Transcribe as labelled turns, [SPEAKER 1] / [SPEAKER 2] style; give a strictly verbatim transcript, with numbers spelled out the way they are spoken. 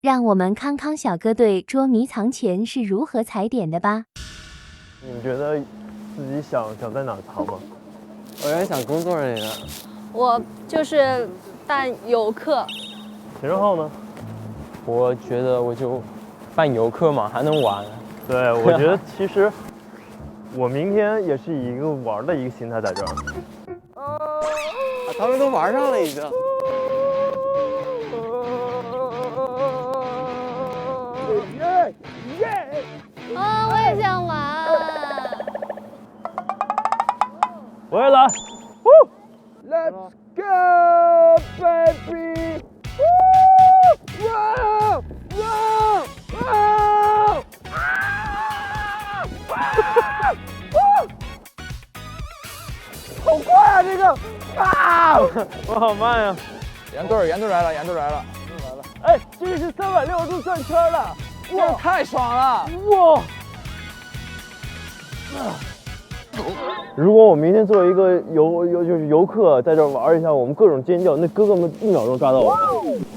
[SPEAKER 1] 让我们康康小哥队捉迷藏前是如何踩点的吧。
[SPEAKER 2] 你们觉得自己想想在哪藏吗？
[SPEAKER 3] 我原来想工作人员，
[SPEAKER 4] 我就是当游客。
[SPEAKER 2] 秦世浩呢？
[SPEAKER 3] 我觉得我就扮游客嘛，还能玩。
[SPEAKER 2] 对，我觉得其实我明天也是以一个玩的一个心态在这儿。
[SPEAKER 3] 啊，他们都玩上了已经。
[SPEAKER 4] 啊，我也想玩。
[SPEAKER 2] 我也来。
[SPEAKER 3] Let's go, baby! Woo! Wow! Wow! Wow! 好快啊，这个！啊！
[SPEAKER 2] 我好慢呀！
[SPEAKER 3] 严队儿，严队来了，严队来了，严队来了！
[SPEAKER 2] 哎，这是三百六十度转圈了，
[SPEAKER 3] 哇，太爽了！
[SPEAKER 2] 哇！如果我明天作为一个游游就是游客在这玩一下，我们各种尖叫，那哥哥们一秒钟抓到我。